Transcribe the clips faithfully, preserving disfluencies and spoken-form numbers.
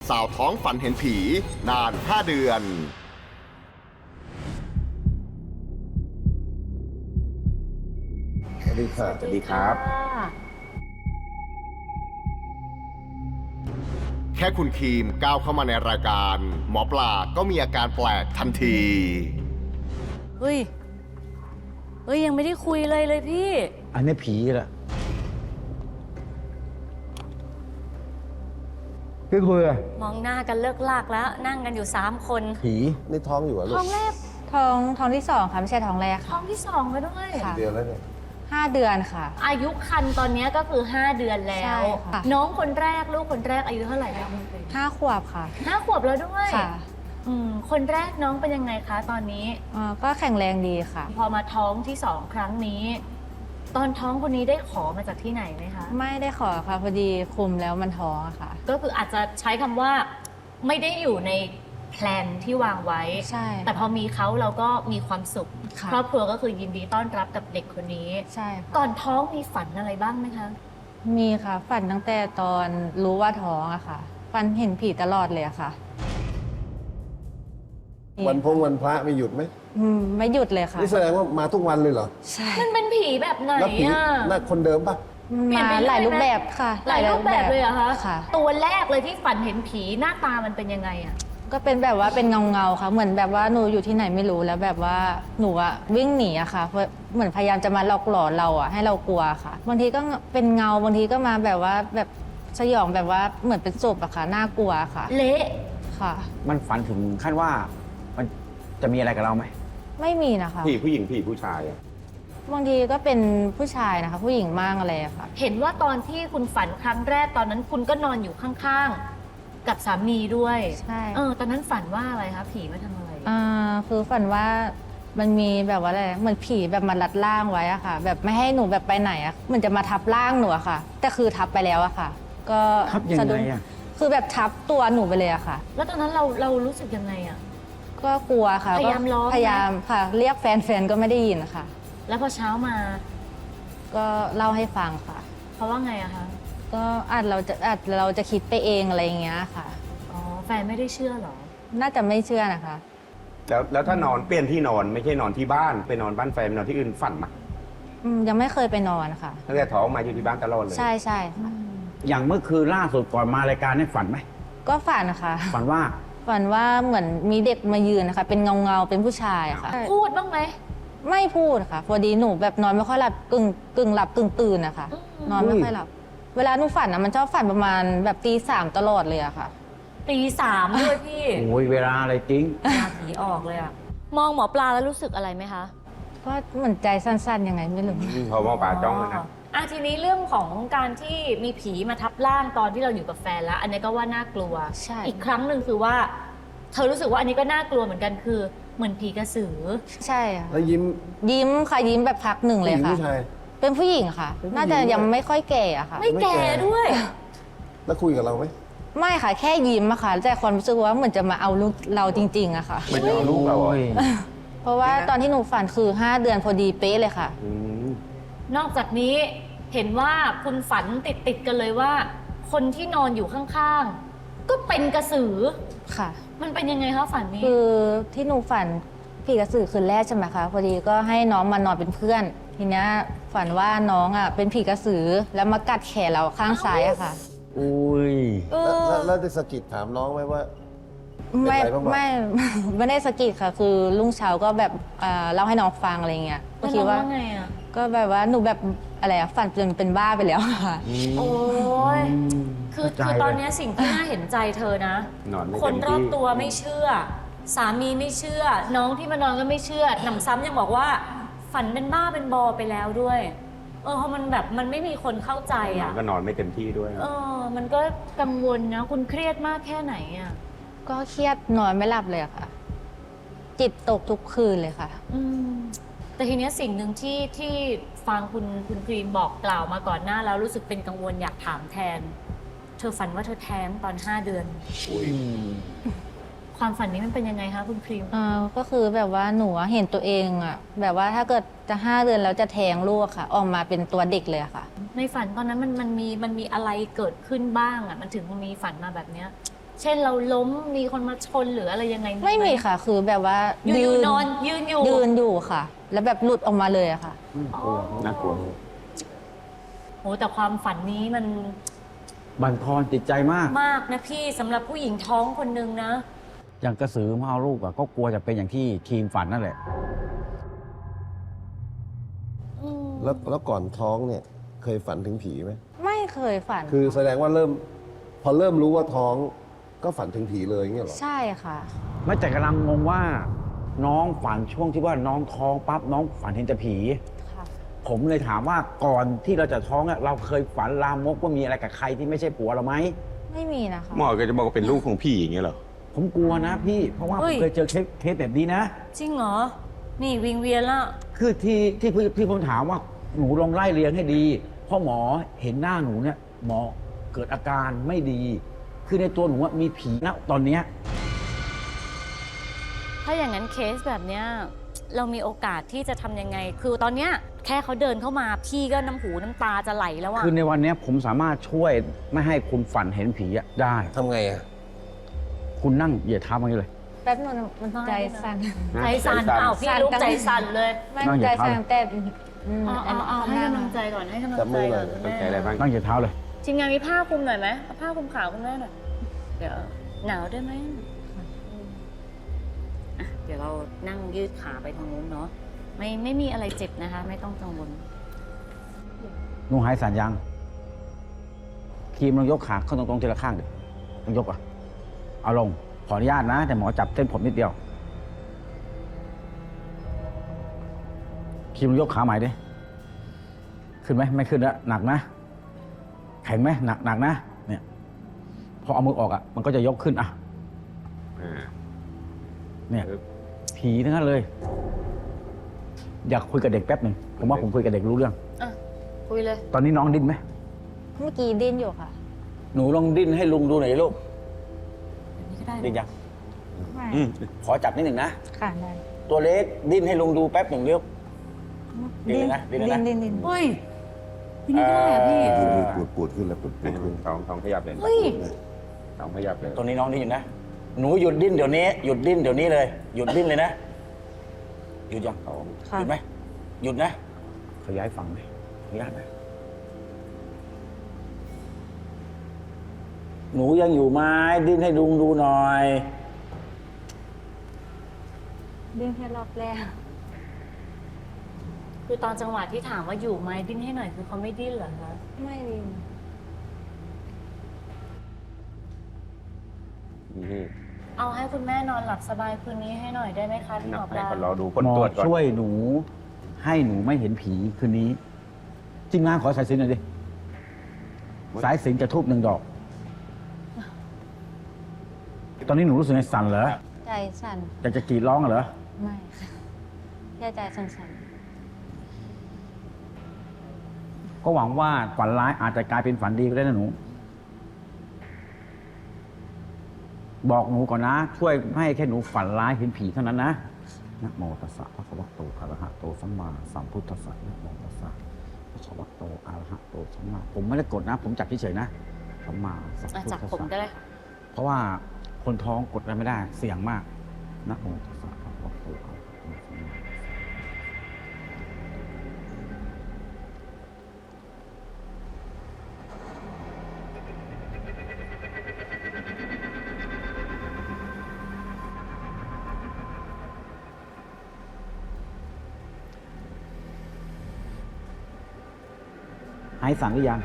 สาวท้องฝันเห็นผีนานห้าเดือนสวัสดีค่ะสวัสดีครับแค่คุณครีมก้าวเข้ามาในรายการหมอปลาก็มีอาการแปลกทันทีเฮ้ย เฮ้ย ยังไม่ได้คุยเลยเลยพี่อันนี้ผีแหละพี่คุยอะมองหน้ากันเลิกลากแล้ว นั่งกันอยู่สามคนผีนี่ท้องอยู่เหรอลูกท้องแรกท้องท้องที่สองค่ะ ไม่ใช่ท้องแรกท้ค่ะองที่สองแล้วด้วยค่ะเดือนแล้วเนี่ยห้าเดือนค่ะอายุคันตอนนี้ก็คือห้าเดือนแล้ใช่วค่ะน้องคนแรกลูกคนแรกอายุเท่าไหร่แล้วห้าขวบค่ะห้าขวบแล้วด้วยค่ะอืมคนแรกน้องเป็นยังไงคะตอนนี้เอ่อก็แข็งแรงดีค่ะพอมาท้องที่สองครั้งนี้ ตอนท้องคนนี้ได้ขอมาจากที่ไหนไหมคะไม่ได้ขอค่ะ พอดีคุมแล้วมันท้องอะค่ะก็คืออาจจะใช้คำว่าไม่ได้อยู่ในแพลนที่วางไว้ใช่แต่พอมีเขาเราก็มีความสุขค่ะครอบครัวก็คือยินดีต้อนรับกับเด็กคนนี้ใช่ค่ะก่อนท้องมีฝันอะไรบ้างไหมคะมีค่ะ ฝันตั้งแต่ตอนรู้ว่าท้องอะค่ะ ฝันเห็นผีตลอดเลยอะค่ะวันพงวันพระไม่หยุดไหมอืมไม่หยุดเลยค่ะนี่แสดงว่ามาทุกวันเลยเหรอใช่มันเป็นผีแบบไหนแล้วผีอ่ะน่าคนเดิมปะเปลี่ยนมาไปเรื่อยหลายรูปไหมแบบค่ะหลายรูปแบบเลยเหรอคะค่ะตัวแรกเลยที่ฝันเห็นผีหน้าตามันเป็นยังไงอ่ะก็เป็นแบบว่าเป็นเงาเงาๆค่ะ เหมือนแบบว่าหนูอยู่ที่ไหนไม่รู้แล้วแบบว่าหนูอะวิ่งหนีอะค่ะเพราะเหมือนพยายามจะมาหลอกหลอนเราอะให้เรากลัวค่ะบางทีก็เป็นเงาบางทีก็มาแบบว่าแบบสยองแบบว่าเหมือนเป็นศพอะค่ะน่ากลัวค่ะเละค่ะมันฝันถึงขั้นว่ามันจะมีอะไรกับเราไหมไม่มีนะคะผีผู้หญิงผีผู้ชายอะบางทีก็เป็นผู้ชายนะคะ ผู้หญิงมากอะไรอะค่ะเห็นว่าตอนที่คุณฝันครั้งแรกตอนนั้นคุณก็นอนอยู่ข้างๆ กับสามีด้วยใช่เออตอนนั้นฝันว่าอะไรคะผีมาทำอะไรอ่าคือฝันว่ามันมีแบบว่าอะไรเหมือนผีแบบมารัดร่างไว้อะค่ะ แบบไม่ให้หนูแบบไปไหนอะเหมือนจะมาทับร่างหนูอะค่ะ แต่คือทับไปแล้วอะค่ะ ก็ทับยังสะไงดุ้งอะคือแบบทับตัวหนูไปเลยอะค่ะแล้วตอนนั้นเราเรารู้สึกยังไงอ่ะก็กลัวค่ะพยายามร้องไหมพยายามค่ะ เรียกแฟนแฟนก็ไม่ได้ยินค่ะแล้วพอเช้ามาก็เล่าให้ฟังค่ะเพราะว่าไงอะคะก็อาจเราจะอาจเราจะคิดไปเองอะไรอย่างเงี้ยค่ะอ๋อแฟนไม่ได้เชื่อเหรอน่าจะไม่เชื่อนะคะแล้วแล้วถ้านอนเปลี่ยนที่นอนไม่ใช่นอนที่บ้านไปนอนบ้านแฟนนอนที่อื่นฝันมาอืมยังไม่เคยไปนอนค่ะตั้งแต่ท้องมาอยู่ที่บ้านตลอดเลยใช่ใช่ค่ะอย่างเมื่อคืนล่าสุดก่อนมารายการนี่ฝันไหมก็ฝันค่ะฝันว่าฝันว่าเหมือนมีเด็กมายืนนะคะ เป็นเงาเงาๆเป็นผู้ชายค่ะพูดบ้างไหมไม่พูดค่ะ พอดีหนูแบบนอนไม่ค่อยหลับกึ่งกึ่งหลับกึ่งตื่นนะคะอืมนอนไม่ค่อยหลับ เวลาหนูฝันนะมันชอบฝันประมาณแบบตีสามตลอดเลยอะค่ะตีสามด้วยพี่โอ้ยเวลาอะไรจริงหน้าผีออกเลยอะมองหมอปลาแล้วรู้สึกอะไรไหมคะก็เหมือนใจสั้นๆยังไงไม่รู้พอมองป่าจ้องเลยนะอ่ะทีนี้เรื่องของการที่มีผีมาทับร่างตอนที่เราอยู่กับแฟนแล้ว อันนี้ก็ว่าน่ากลัวใช่อีกครั้งหนึ่งคือว่า เธอรู้สึกว่าอันนี้ก็น่ากลัวเหมือนกันคือ เหมือนผีกระสือใช่ค่ะแล้วยิ้มยิ้มค่ะยิ้มแบบพักหนึ่งเลยผู้หญิงค่ะผู้ชายเป็นผู้หญิงค่ะเป็นผู้หญิงน่าจะยังไม่ค่อยแก่อะค่ะไม่ไม่แก่แก่ด้วยแล้วคุยกับเราไหมไม่ค่ะ แค่ยิ้มอะค่ะแต่ความรู้สึกว่าเหมือนจะมาเอาลูกเราจริงๆอะค่ะมันจะเอาลูกเราเหรอโอ้ยเพราะว่าตอนที่หนูฝันคือห้าเดือนพอดีเป๊ะเลยค่ะอืมนอกจากนี้เห็นว่าคุณฝันติดติดๆกันเลยว่า คนที่นอนอยู่ข้างๆ ก็เป็นกระสือค่ะมันเป็นยังไงคะฝันนี้คือที่หนูฝันผีกระสือคืนแรกใช่ไหมคะพอดีก็ให้น้องมานอนเป็นเพื่อน ทีเนี้ยฝันว่าน้องอ่ะเป็นผีกระสือแล้วมากัดแขนเราข้างซ้ายอะค่ะอุ้ยเอแล้วอแล้วแล้วได้สะกิดถามน้องไหมว่าไม่เป็นไรบ้างวะไม่ ไม่ได้สะกิดค่ะ คือลุงเช้าก็แบบเอ่อเล่าให้น้องฟังอะไรเงี้ยก็แล้วคิน้ดองว่าว่าไงอ่ะก็แบบว่าหนูแบบอะไรอะฝันจนเป็นบ้าไปแล้วค่ะโอ้ยคือเข้าใจคือตอนเลยเนี้ยสิ่งที่น่าเห็นใจเธอนะนอนไม่คนเต็มรอบที่ตัวไม่เชื่อ สามีไม่เชื่อ น้องที่มานอนก็ไม่เชื่อหนำซ้ำยังบอกว่า ฝันเป็นบ้าเป็นบอไปแล้วด้วย เออเพราะมันแบบมันไม่มีคนเข้าใจนออ่ะนก็นอนไม่เต็มที่ด้วยเออ มันก็กังวลนะ คุณเครียดมากแค่ไหนอ่ะก็เครียดนอนไม่หลับเลยอะค่ะ จิตตกทุกคืนเลยค่ะอืมแต่ทีเนี้ยสิ่งหนึ่งที่ที่ฟังคุณคุณครีมบอกกล่าวมาก่อนหน้าแล้วรู้สึกเป็นกังวลอยากถามแทน เธอฝันว่าเธอแท้งตอนห้าเดือนอุ้ยความฝันนี้มันเป็นยังไงคะคุณครีมเอ่อก็คือแบบว่าหนูอะเห็นตัวเองอะแบบว่าถ้าเกิดจะห้าเดือนแล้วจะแท้งลูกอะค่ะ ออกมาเป็นตัวเด็กเลยอะค่ะในฝันตอนนั้นมันมันมีมันมีอะไรเกิดขึ้นบ้างอ่ะ มันถึงมีฝันมาแบบเนี้ยเช่นเราล้มมีคนมาชนหรืออะไรยังไงไม่มีค่ะ คือแบบว่าอยู่ๆนอนยืนอยู่ยืนอยู่ค่ะ แล้วแบบหลุดออกมาเลยอะค่ะน่ากลัวโหแต่ความฝันนี้มันบั่นทอนจิตใจมากมากนะพี่สำหรับผู้หญิงท้องคนหนึ่งนะอย่างกระสือมาเอาลูกอะก็กลัวจะเป็นอย่างที่ทีมฝันนั่นแหละอืมแล้วแล้วก่อนท้องเนี่ยเคยฝันถึงผีไหมไม่เคยฝันคือแสดงว่าเริ่ม พอเริ่มรู้ว่าท้องก็ฝันถึงผีเลยอย่างเงี้ยเหรอใช่ค่ะไม่แต่กำลังงงว่าน้องฝันช่วงที่ว่าน้องท้องปั๊บน้องฝันเห็นแต่ผีค่ะผมเลยถามว่าก่อนที่เราจะท้องอะเราเคยฝันลามกว่ามีอะไรกับใครที่ไม่ใช่ผัวเราไหมไม่มีนะคะหมอก็จะบอกว่าเป็นลูกของพี่อย่างเงี้ยเหรอผมกลัวนะพี่ เพราะว่าผมเคยเจอเคสเคสแบบนี้นะจริงเหรอ นี่วิงเวียนละคือที่ที่ที่ที่ผมถามว่าหนูลองไล่เรียงให้ดี เพราะหมอเห็นหน้าหนูเนี่ยหมอเกิดอาการไม่ดี คือในตัวหนูว่ามีผีนะตอนเนี้ยถ้าอย่างนั้นเคสแบบเนี้ยเรามีโอกาสที่จะทำยังไง คือตอนเนี้ยแค่เขาเดินเข้ามาพี่ก็น้ำหูน้ำตาจะไหลแล้วอะคือในวันเนี้ยผมสามารถช่วยไม่ให้คุณฝันเห็นผีอะได้ทำไงอ่ะคุณนั่งเหยียดเท้ามาอย่างนี้เลยแป๊บนึงมันใจสั่นใจสั่นเปล่าพี่ลูกใจสั่นเลยไม่นั่งเหยีใจยดเท้าสั่นแต่อืมเอาเอาเอาให้กำลังใจก่อนให้กำลังจับใจมือหน่ก่ออย นต้องใจอะไรบ้างนั่งเหยียดเท้าเลยทีมงานมีผ้าคลุมหน่อยไหมเอาผ้าคลุมขาวคุณแม่หน่อยเดี๋ยวหนาวได้ไหมอ่ะเดี๋ยวเรานั่งยืดขาไปทางนู้นเนาะไม่ไม่มีอะไรเจ็บนะคะ ไม่ต้องกังวลหนูหายสันยังครีมลองยกขาขึ้นตรงๆทีละข้างดิลองยกอ่ะ เอาลง ขออนุญาตนะ แต่หมอจับเส้นผมนิดเดียวครีมลองยกขาใหม่ดิ ขึ้นไหมไม่ขึ้นแล้วหนักนะ แข็งไหมหนักหนักนะ เนี่ย พอเอามือออกอ่ะ มันก็จะยกขึ้นอ่ะอ่าเนี่ยครับผีทั้งนั้นเลย อยากคุยกับเด็กแป๊บหนึ่งผมว่าผมคุยกับเด็กรู้เรื่องอ่ะคุยเลยตอนนี้น้องดิ้นไหมเมื่อกี้ดิ้นอยู่ค่ะหนูลองดิ้นให้ลุงดูหน่อยลูกแบบนี้ก็ได้ดิ้นยังไม่อืมขอจับนิดหนึ่งนะค่ะได้ตัวเล็กดิ้นให้ลุงดูแป๊บหนึ่งเร็ว ดิ้นเลยนะดิ้นเลยนะดิ้นดิ้นเฮ้ยพี่นี่ก็ได้อะพี่ปวดปวดขึ้นแล้วปวดปวดขึ้นท้องท้องขยับเลยเฮ้ยท้องขยับเลยตรงนี้น้องดิ้นอยู่นะ หนูหยุดดิ้นเดี๋ยวนี้ หยุดดิ้นเดี๋ยวนี้เลย หยุดดิ้นเลยนะ หยุดยังค่ะหยุดไหม หยุดนะ ขยายฝั่งเลยขออนุญาตนะ หนูยังอยู่ไหมดิ้นให้ลุงดูหน่อยดิ้นแค่รอบแรกคือตอนจังหวะที่ถามว่าอยู่ไหมดิ้นให้หน่อยคือเขาไม่ดิ้นเหรอคะไม่ดิ้นนี่เอาให้คุณแม่นอนหลับสบายคืนนี้ให้หน่อยได้ไหมคะพี่หมอปให้ลาคนรอดูผลหมอตรวจก่อนช่วยหนู ให้หนูไม่เห็นผีคืนนี้ทีมงานขอสายสิญจน์หน่อยดิ สายสิญจน์จะทูบหนึ่งดอก ตอนนี้หนูรู้สึกไงสั่นเหรอใจสั่นอยากจะกรีดร้องเหรอไม่ค่ะแค่ใจสั่นก็หวังว่าฝันร้ายอาจจะกลายเป็นฝันดีก็ได้นะหนู บอกหนูก่อนนะ ช่วยไม่ให้แค่หนูฝันร้ายเห็นผีเท่านั้นนะนะโมตัสสะภะคะวะโตอะระหะโตสัมมาสัมพุทธัสสะนะโมตัสสะภะคะวะโตอะระหะโตสัมมาผมไม่ได้กดนะ ผมจับเฉยๆนะสัมมาสัมอ่ะพุทจับธัสผมก็สะได้ค่ะเพราะว่าคนท้องกดอะไรไม่ได้เสี่ยงมากนะโมตัสสะภะคะวะโตอะระหะโตสัมมาสัมพุทธัสสะ หายสั่นหรือยัง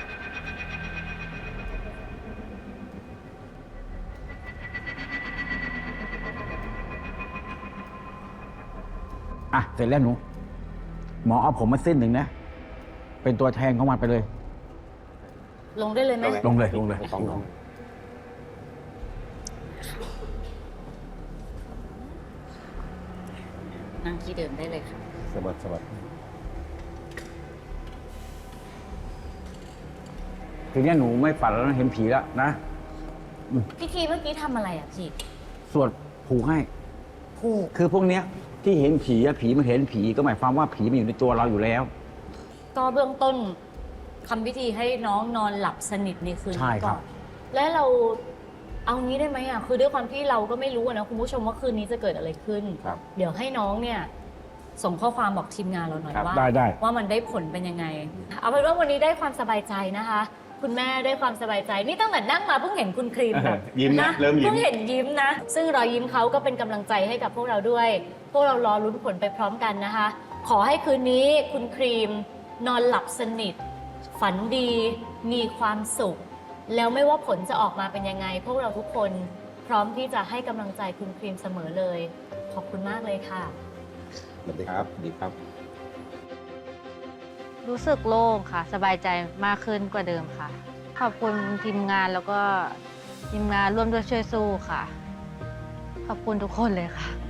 อ่ะ เสร็จแล้วหนู หมอเอาผมมาเส้นหนึ่งนะ เป็นตัวแทนของมันไปเลยลงได้เลยไหมลงเลยลงเลยท้องท้องนั่งที่เดิมได้เลยค่ะสะบัดสะบัดทีนี้หนูไม่ฝันแล้วนะเห็นผีแล้วนะพิธีเมื่อกี้ทำอะไรอ่ะพี่สวดผูกให้ผูกคือพวกเนี้ยที่เห็นผีอะผีมันเห็นผีก็หมายความว่าผีมันอยู่ในตัวเราอยู่แล้วก็เบื้องต้นทำพิธีให้น้องนอนหลับสนิทในคืนใช่นี้ครัก่อบ นและเราเอางี้ได้ไหมอ่ะคือด้วยความที่เราก็ไม่รู้อะนะคุณผู้ชมว่าคืนนี้จะเกิดอะไรขึ้นครับเดี๋ยวให้น้องเนี่ยส่งข้อความบอกทีมงานเราหน่อยครับว่าได้ได้ว่ามันได้ผลเป็นยังไง เอาเป็นว่าวันนี้ได้ความสบายใจนะคะ คุณแม่ได้ความสบายใจนี่ตั้งแต่นั่งมาเพิ่งเห็นคุณครีมแบบยิ้มนะเริ่มยิ้มเพิ่งเห็นยิ้มนะ ซึ่งรอยยิ้มเขาก็เป็นกำลังใจให้กับพวกเราด้วย พวกเรารอลุ้นผลไปพร้อมกันนะคะ ขอให้คืนนี้คุณครีมนอนหลับสนิท ฝันดีมีความสุข แล้วไม่ว่าผลจะออกมาเป็นยังไง พวกเราทุกคนพร้อมที่จะให้กำลังใจคุณครีมเสมอเลย ขอบคุณมากเลยค่ะสวัสดีคครัรับบ ดีครับรู้สึกโล่งค่ะ สบายใจมากขึ้นกว่าเดิมค่ะ ขอบคุณทีมงานแล้วก็ทีมงานร่วมด้วยช่วยสู้ค่ะ ขอบคุณทุกคนเลยค่ะ